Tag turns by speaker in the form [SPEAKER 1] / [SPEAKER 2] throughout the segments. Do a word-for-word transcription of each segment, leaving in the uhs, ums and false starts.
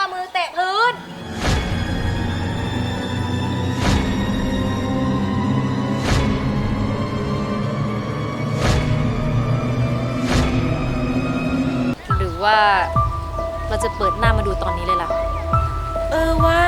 [SPEAKER 1] มือแตะพื้นหรือว่าเราจะเปิดหน้ามาดูตอนนี้เลยล่ะ
[SPEAKER 2] เออว่า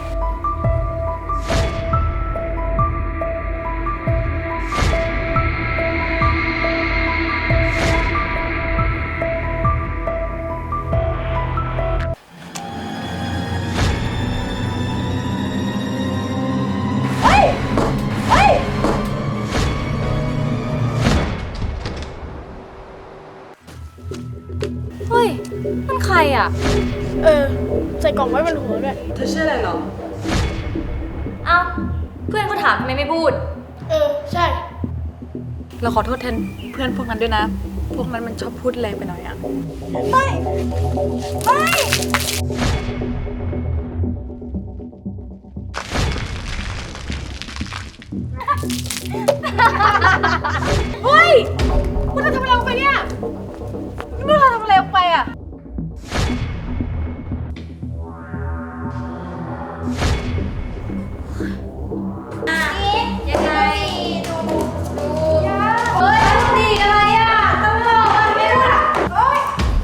[SPEAKER 1] เฮ้ยมันใครอ่ะ
[SPEAKER 2] เออใส่กล่องไว้บนหัวด้วย
[SPEAKER 3] เธอชื่ออะไรหรอ
[SPEAKER 1] เอ้าเพื่อนเขาถามทำไมไม่พูด
[SPEAKER 2] เออใช่
[SPEAKER 3] เราขอโทษแทนเพื่อนพวกนั้นด้วยนะพวกนั้นมันชอบพูดแรงไปหน่อยอะ
[SPEAKER 2] ไม่ไม่เฮ้ยพวกเธอทำอะไรลงไปเนี่ยพวกเธอทำอะไรลงไปอ่ะ
[SPEAKER 1] ยังไงดูดูเฮ้ยดีอะไรอ่ะตำรวจมันไม่รู้อ่ะเฮ้ย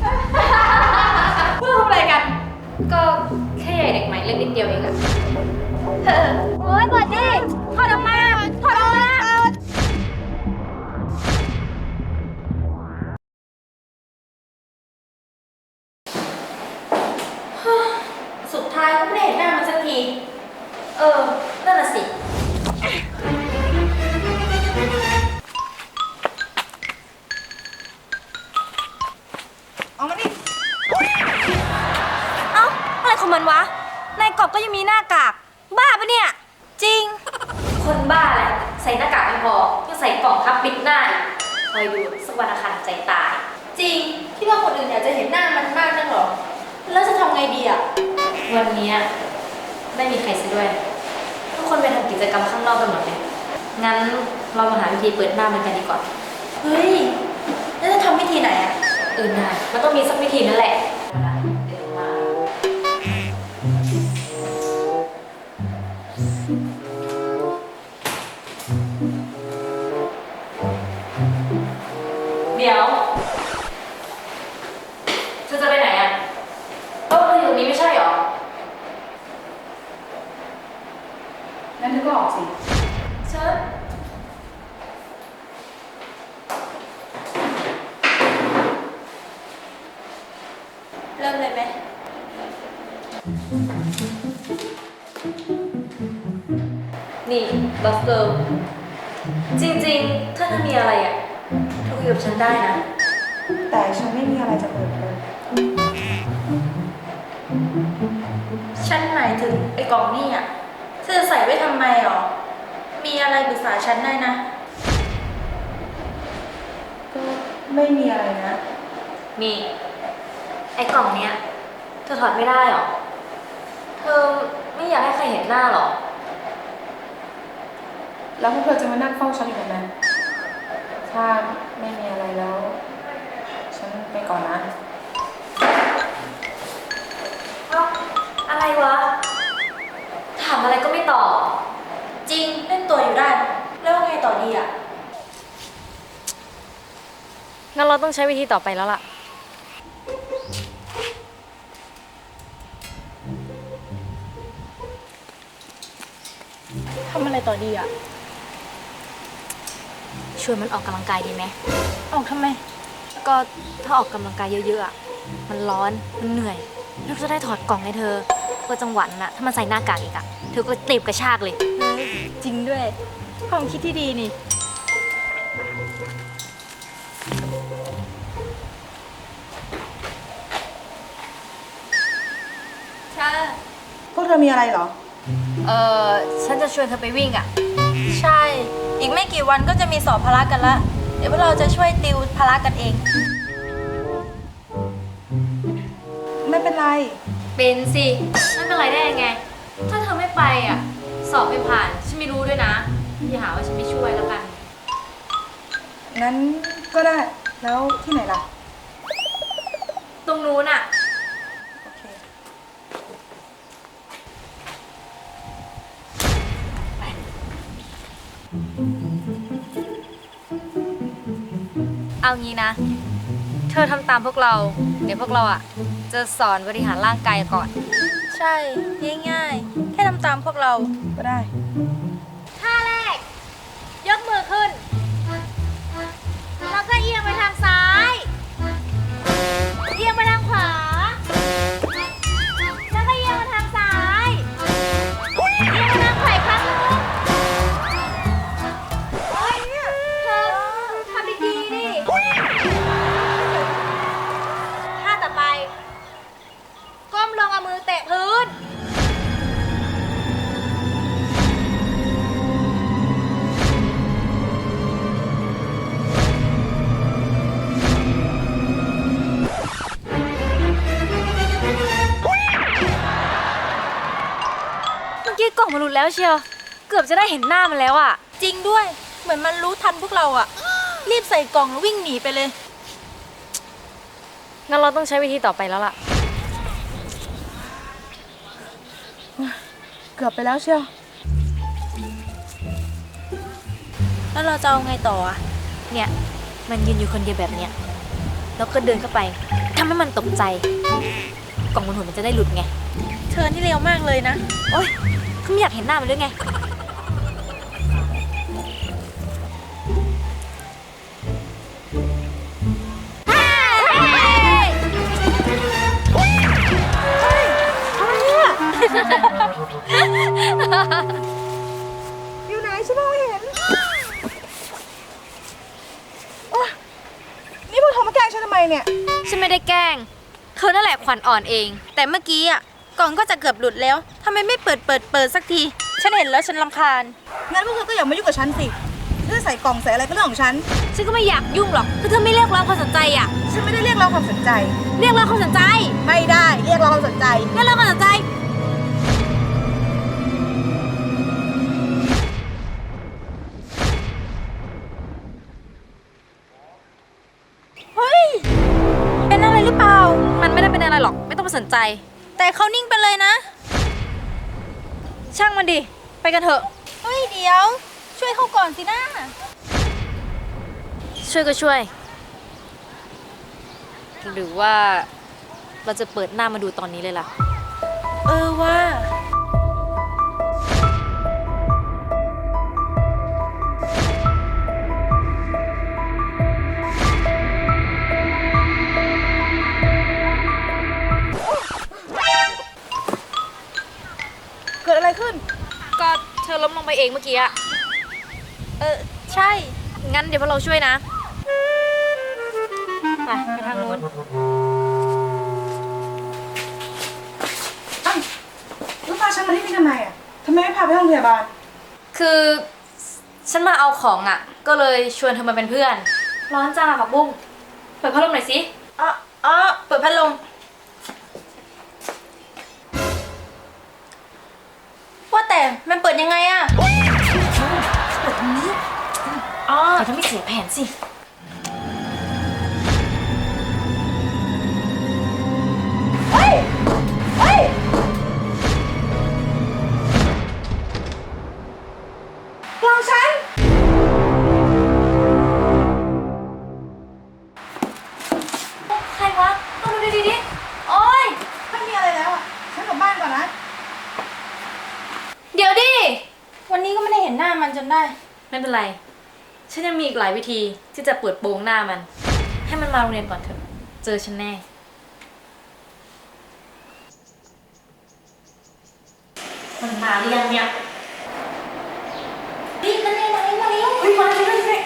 [SPEAKER 2] พวกเธอทำอะไรกัน
[SPEAKER 1] ก็แค่ใหญ่เด็กใหม่เล็กนิดเดียวเองอะโอ้ยเปิดดิถอดออกมาถอดออกมาสุดท้ายก็ไม่ได้เห็นหน้ามันสักทีเออนั่นน่ะสิ
[SPEAKER 2] เอามาดิ
[SPEAKER 1] เอ้าอะไรของมันวะในกรอบก็ยังมีหน้ากากบ้าปะเนี่ยจริงคนบ้าแหละใส่หน้ากากไม่พอยังใส่กล่องทับปิดหน้าอีกคอยดูสักวันอาคารใจตาย
[SPEAKER 2] จริงที่ว่าคนอื่นอยากจะเห็นหน้ามันมากนักหรอแล้วจะทำไงดีอ่ะ
[SPEAKER 1] วันนี้ไม่มีใครซะด้วยทุกคนไปทำกิจกรรมข้างนอกกันหมดเลยงั้นเรามาหาวิธีเปิดหน้ามันกันดีกว่า
[SPEAKER 2] เฮ้ยแล้วจะทำวิธีไหนอ่ะ
[SPEAKER 1] เออน่ามันต้องมีสักวิธีนั่นแหละเดี๋ยวเธอจะไปไหนอ่ะโต๊ะเธออยู่ตรงนี้ไม่ใช่หรอ
[SPEAKER 3] งั้นเธอก็ออกสิ
[SPEAKER 1] เชิญ
[SPEAKER 2] เริ่มเลยไหม
[SPEAKER 1] นี่บอสเกิร์ลจริงๆถ้าเธอมีอะไรอ่ะเธอคุยกับฉันได้นะ
[SPEAKER 3] แต่ฉันไม่มีอะไรจะเปิดเผย
[SPEAKER 2] ฉันหมายถึงไอ้กล่องนี่อ่ะเธอใส่ไว้ทำไมหรอมีอะไรปรึกษาฉันได้นะ
[SPEAKER 3] ก็ไม่มีอะไรนะ
[SPEAKER 1] มีไอ้กล่องเนี้ยเธอถอดไม่ได้หรอเธอไม่อยากให้ใครเห็นหน้าหรอ
[SPEAKER 3] แล้วพวกเธอจะมานั่งเฝ้าฉันอยู่ทำไมถ้าไม่มีอะไรแล้วฉันไปก่อนนะ
[SPEAKER 1] เอ้าอะไรวะถามอะไรก็ไม่ตอบ
[SPEAKER 2] จริงเล่นตัวอยู่ได้แล้วไงต่อดีอ่ะ
[SPEAKER 1] งั้นเราต้องใช้วิธีต่อไปแล้วล่ะ
[SPEAKER 2] ทำอะไรต่อดีอ่ะ
[SPEAKER 1] ชวนมันออกกำลังกายดีไหม
[SPEAKER 2] ออกทำไม
[SPEAKER 1] ก็ถ้าออกกำลังกายเยอะๆอ่ะมันร้อนมันเหนื่อยแล้วจะได้ถอดกล่องให้เธอเพื่อจังหวะนั้นอะถ้ามันใส่หน้ากากอีกอ่ะเธอก็เตะกระชากเลย
[SPEAKER 2] จริงด้วยความคิดที่ดีนี่ใช่
[SPEAKER 3] พวกเธอมีอะไรเหรอ
[SPEAKER 1] เออฉันจะชวนเธอไปวิ่งอ่ะ
[SPEAKER 2] ใช่อีกไม่กี่วันก็จะมีสอบพละกันละเดี๋ยวพวกเราจะช่วยติวพละกันเอง
[SPEAKER 3] ไม่เป็นไร
[SPEAKER 1] เป็นสิไม่เป็นไรได้ยังไงถ้าเธอไม่ไปอ่ะสอบไม่ผ่านฉันไม่รู้ด้วยนะอย่าหาว่าฉันไม่ช่วยแล้วกัน
[SPEAKER 3] งั้นก็ได้แล้วที่ไหนล่ะ
[SPEAKER 1] ตรงนู้นอ่ะ
[SPEAKER 3] โอเค
[SPEAKER 1] เอางี้นะ เธอทำตามพวกเรา เดี๋ยวพวกเราอ่ะ จะสอนบริหารร่างกายก่อน
[SPEAKER 2] ใช่ ง่ายๆ แค่ทำตามพวกเรา
[SPEAKER 3] ก็ได้
[SPEAKER 1] ท่าแรก ยกมือขึ้น แล้วก็เอียงไปทางซ้าย เอียงไปทางขวา แล้วก็เอียงไปทางซ้าย เอียงไปทางขวาอีกครั้งหนึงโอ๊ยเธอทำดีๆดิท่าต่อไป ก้มลงเอามือเตะพื้น เมื่อกี้กล่องมันหลุดแล้วเชียว เกือบจะได้เห็นหน้ามันแล้วอ่ะ
[SPEAKER 2] จริงด้วย เหมือนมันรู้ทันพวกเราอะรีบใส่กล่องแล้ววิ่งหนีไปเลย
[SPEAKER 1] งั้นเราต้องใช้วิธีต่อไปแล้วล่ะ
[SPEAKER 3] เกือบไปแล้วเชียว
[SPEAKER 2] แล้วเราจะเอาไงต่ออะ
[SPEAKER 1] เนี่ย มันยืนอยู่คนเดียวแบบเนี้ย แล้วก็เดินเข้าไปทำให้มันตกใจ กล่องบนหัวมันจะได้หลุดไง
[SPEAKER 2] เธอนี่เร็วมากเลยนะ
[SPEAKER 1] โอ๊ยเขาไม่อยากเห็นหน้ามันด้วยไง
[SPEAKER 3] อยู่ไหนฉันมองไม่เห็นโอ๊ยนี่พวกเธอมาแกล้งฉันทำไมเนี่ย
[SPEAKER 1] ฉันไม่ได้แกล้ง เธอนั่นแหละขวัญอ่อนเอง
[SPEAKER 2] แต่เมื่อกี้อะกล่องก็จะเกือบหลุดแล้วทำไมไม่เปิดเปิดเปิดสักที ฉันเห็นแล้วฉันรำคาญ
[SPEAKER 3] งั้นพวกเธอก็อย่ามายุ่งกับฉันสิเธอใส่กล่องใส่อะไรก็เรื่องของฉัน
[SPEAKER 1] ฉันก็ไม่อยากยุ่งหรอกถ้าเธอไม่เรียกร้องความสนใจอ่ะ
[SPEAKER 3] ฉันไม่ได้เรียกร้องความสนใจ
[SPEAKER 1] เรียกร้องความสนใจ
[SPEAKER 3] ไม่ได้เรียกร้องความสนใจ
[SPEAKER 1] เรียกร้องความสนใจ
[SPEAKER 2] เฮ้ย เป็นอะไรหรือเปล่า
[SPEAKER 1] มันไม่ได้เป็นอะไรหรอก ไม่ต้องมาสนใจ
[SPEAKER 2] แต่เขานิ่งไปเลยนะ
[SPEAKER 1] ช่างมันดิ ไปกันเถอะ
[SPEAKER 2] เฮ้ย เดี๋ยว ช่วยเขาก่อนสินะ
[SPEAKER 1] ช่วยก็ช่วย หรือว่าเราจะเปิดหน้ามาดูตอนนี้เลยล่ะ
[SPEAKER 2] เออว่า
[SPEAKER 3] เกิดอะไรขึ้น
[SPEAKER 1] ก็เธอล้มลงไปเองเมื่อกี้อะ
[SPEAKER 2] เออ ใช่
[SPEAKER 1] งั้นเดี๋ยวพวกเราช่วยนะ ไปไปทางนู้น
[SPEAKER 3] อ้าวแล้วพาฉันมาที่นี่ทำไมอ่ะทำไมไม่พาไปโรงพยาบาล
[SPEAKER 1] คือฉันมาเอาของอ่ะ ก็เลยชวนเธอมาเป็นเพื่อน ร้อนจ้าผักบุ้งเปิดพัดลมหน่อยสิ
[SPEAKER 2] อ๋ออ๋อเปิดพัดลม ว่าแต่มันเปิดยังไงอะอ๋อ
[SPEAKER 1] แต่ถ้าไม่เสียแผนสิ
[SPEAKER 3] เฮ้ย เฮ้ย กล่องฉัน
[SPEAKER 1] ใครวะต้องดูดีๆดิโอ๊ย
[SPEAKER 3] ไม่มีอะไรแล้วอ่ะ ฉันกลับบ้านก่อนนะ
[SPEAKER 1] เดี๋ยวดิ
[SPEAKER 2] วันนี้ก็ไม่ได้เห็นหน้ามันจนได้
[SPEAKER 1] ไม่เป็นไร ฉันยังมีอีกหลายวิธีที่จะเปิดโปงหน้ามัน ให้มันมาโรงเรียนก่อนเถอะ เจอฉันแน่ มันมาหรือยังเนี่ยรีบมาเลยมาเลยมาเลยเฮ้ยมาเลยมาเลย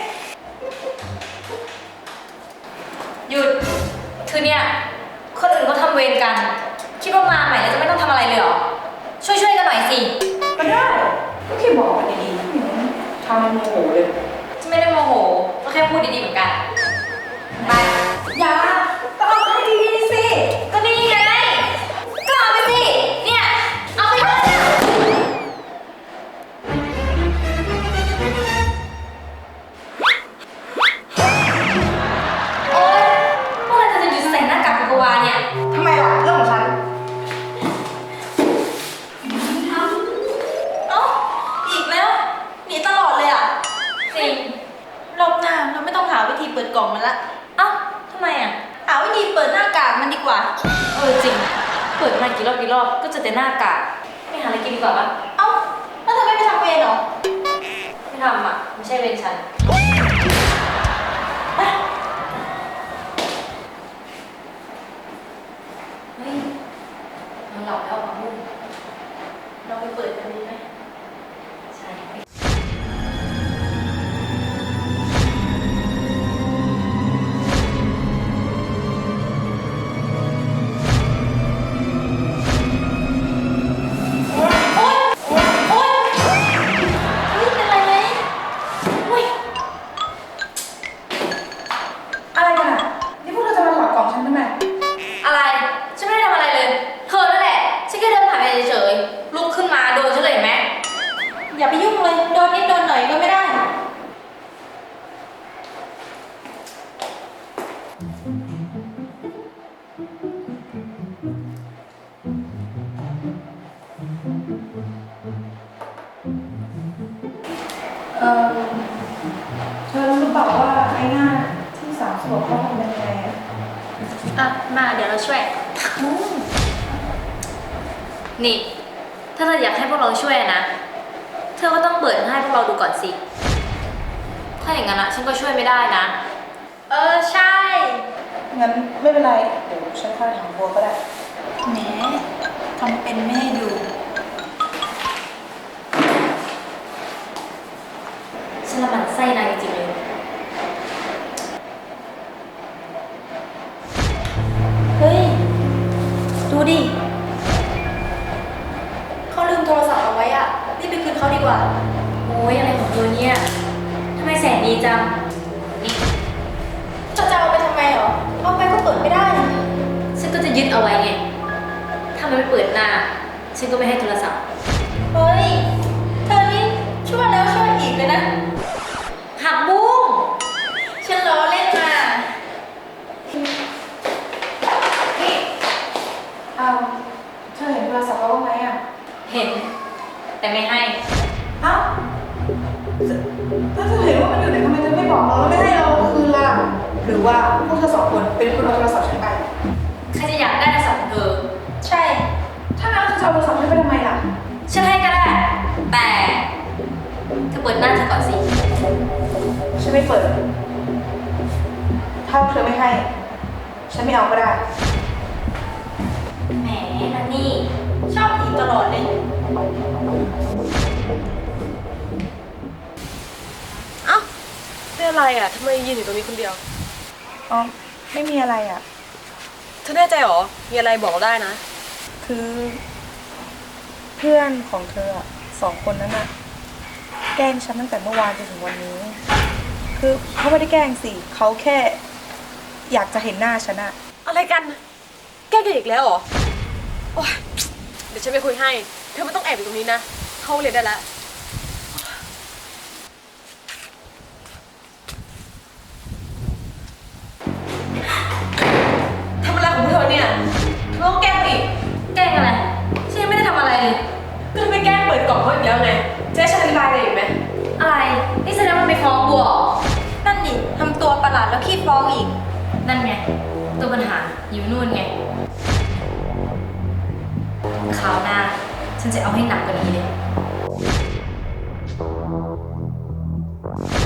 [SPEAKER 1] หยุด คือเนี่ย คนอื่นเขาทำเวรกัน คิดว่ามาใหม่แล้วจะไม่ต้องทำอะไรเลยเหรอ ช่วยๆกันหน่อยสิ
[SPEAKER 3] ก็ได้ก็แค่บอกกันดีๆอืมทำมันโมโหเลย
[SPEAKER 1] ฉันไม่ได้โมโห ก็แค่พูดดีๆเหมือนกัน ไป
[SPEAKER 3] อย่าก็เอาให้ดีๆสิ
[SPEAKER 1] ก็นี่ไง ก็เอาไปสิ เนี่ย เอาไปเลยเนี่ยโอ๊ยเมื่อไหรเธอจะหยุดใส่หน้ากากโกโกวาเนี่ย
[SPEAKER 3] ทำไมล่ะเรื่องของฉัน
[SPEAKER 2] เอ้า อีกแล้ว หนีตลอดเลยอะ
[SPEAKER 1] จริง
[SPEAKER 2] รอบหน้าเราไม่ต้องหาวิธีเปิดกล่องกล่องมันละ
[SPEAKER 1] เอ้าทำไมอ่ะ
[SPEAKER 2] หาวิธีเปิดหน้ากากมันดีกว่า
[SPEAKER 1] เออจริง เปิดมากี่รอบกี่รอบก็เจะแต่หน้ากากไม่หาอะไรกินดีกว่าปะ
[SPEAKER 2] เอ้าแล้วเธอไม่ไปทำเวรเหรอ
[SPEAKER 1] ไม่ทำอ่ะ ไม่ใช่เวรฉันไปเฮ้ยมันหลับแล้วอ่ะมุ่ง
[SPEAKER 2] เราไปเปิดกันดีไหม
[SPEAKER 1] ใช่
[SPEAKER 2] โอ๊ยโอ๊ยโอ๊ยเฮ้ยเป็นไรไหมอุ้ย
[SPEAKER 3] อะไรกันอ่ะ นี่พวกเธอจะมาถอดกล่องฉันทำไม
[SPEAKER 1] อะไร ฉันไม่ได้ทำอะไรเลย เธอนั่นแหละ ฉันแค่เดินผ่านไปเฉยๆลุกขึ้นมาโดนฉันเลยเห็นไหม
[SPEAKER 2] อย่าไปยุ่งเลย โดนนิดโดนหน่อยก็ไม่ได้
[SPEAKER 3] เออเธอรู้หรือเปล่าว่าไอ้หน้าที่สามขวบเขาทำเป็นยังไงอ่ะ
[SPEAKER 2] อ่ะ มาเดี๋ยวเราช่วย
[SPEAKER 3] อืม
[SPEAKER 1] นี่ ถ้าเธออยากให้พวกเราช่วยนะ เธอก็ต้องเปิดให้พวกเราดูก่อนสิ ถ้าอย่างนั้นอะฉันก็ช่วยไม่ได้นะ
[SPEAKER 2] เออ ใช่
[SPEAKER 3] งั้นไม่เป็นไร เดี๋ยวฉันค่อยถามบัวก็ได้
[SPEAKER 2] แหมทำเป็นไม่ให้ดู
[SPEAKER 1] ฉันละมันไส้นายจริงๆเลย
[SPEAKER 2] เฮ้ย ดูดิ เขาลืมโทรศัพท์เอาไว้อะรีบไปคืนเขาดีกว่า
[SPEAKER 1] โอ้ยอะไรของเธอเนี่ย ทำไมแสนดีจัง นี่
[SPEAKER 2] เธอจะเอาไปทำไมเหรอ เอาไปก็เปิดไม่ได้
[SPEAKER 1] ฉันก็จะยึดเอาไว้ไง ถ้ามันไม่เปิดหน้า ฉันก็ไม่ให้โทรศัพท์
[SPEAKER 2] เฮ้ย เธอนี่ช่วยแล้วช่วยอีกเลยนะ
[SPEAKER 1] หักบุ้ง
[SPEAKER 2] ฉันล้อเล่นมา
[SPEAKER 1] นี่
[SPEAKER 3] เอาเธอเห็นโทรศัพท์เขาบ้างไหมอ่ะ
[SPEAKER 1] เห็น แต่ไม่ให้
[SPEAKER 3] เอ้าถ้าเธอเห็นว่ามันอยู่ไหนทำไมเธอไม่บอกเราแล้วไม่ให้เราคืนล่ะ หรือว่าพวกเธอสองคนเป็นคนเอาโทรศัพท์ฉันไป
[SPEAKER 1] ใครจะอยากได้โทรศัพท์ของเธอ
[SPEAKER 2] ใช่
[SPEAKER 3] ถ้างั้นเธอจะเอาโทรศัพท์ฉันไปทำไมล่ะ
[SPEAKER 1] ฉันให้ก็ได้ แต่เธอเปิดหน้าเธอก่อนสิ
[SPEAKER 3] ฉันไม่เปิด ถ้าเธอไม่ให้ ฉันไม่เอาก็ได้
[SPEAKER 1] แหมนันนี่
[SPEAKER 2] ชอบอีกตลอดเลย
[SPEAKER 4] เอ้าเป็นอะไรอ่ะทำไมยืนอยู่ตรงนี้คนเดียว
[SPEAKER 3] อ๋อ ไม่มีอะไรอ่ะ
[SPEAKER 4] เธอแน่ใจเหรอ มีอะไรบอกเราได้นะ
[SPEAKER 3] คือ เพื่อนของเธออะสองคนนั้นอะแกล้งฉันตั้งแต่เมื่อวานจนถึงวันนี้ คือเขาไม่ได้แกล้งสิเขาแค่อยากจะเห็นหน้าฉันอะ
[SPEAKER 4] อะไรกัน แกล้งกันอีกแล้วเหรอ โอ๊ย เดี๋ยวฉันไปคุยให้ เธอไม่ต้องแอบอยู่ตรงนี้นะ เข้าเรียนได้แล้ว
[SPEAKER 1] ทำอะไรของเธอเนี่ยเธอต้องแกล้งอีก แกล้งอะไร ฉันยังไม่ได้ทำอะไรเลย
[SPEAKER 4] ก็จะไปแกล้งเปิดกล่องเขาอีกแล้วไงจะให้ฉันอธิบายอะไรอีกไหม
[SPEAKER 1] อะไร นี่แสดงว่ามันไปฟ้องบัวเหรอ
[SPEAKER 2] นั่นดิทำตัวประหลาดแล้วขี้ฟ้องอีก
[SPEAKER 1] นั่นไง ตัวปัญหาอยู่นู่นไงคราวหน้า ฉันจะเอาให้หนักกว่านี้เลย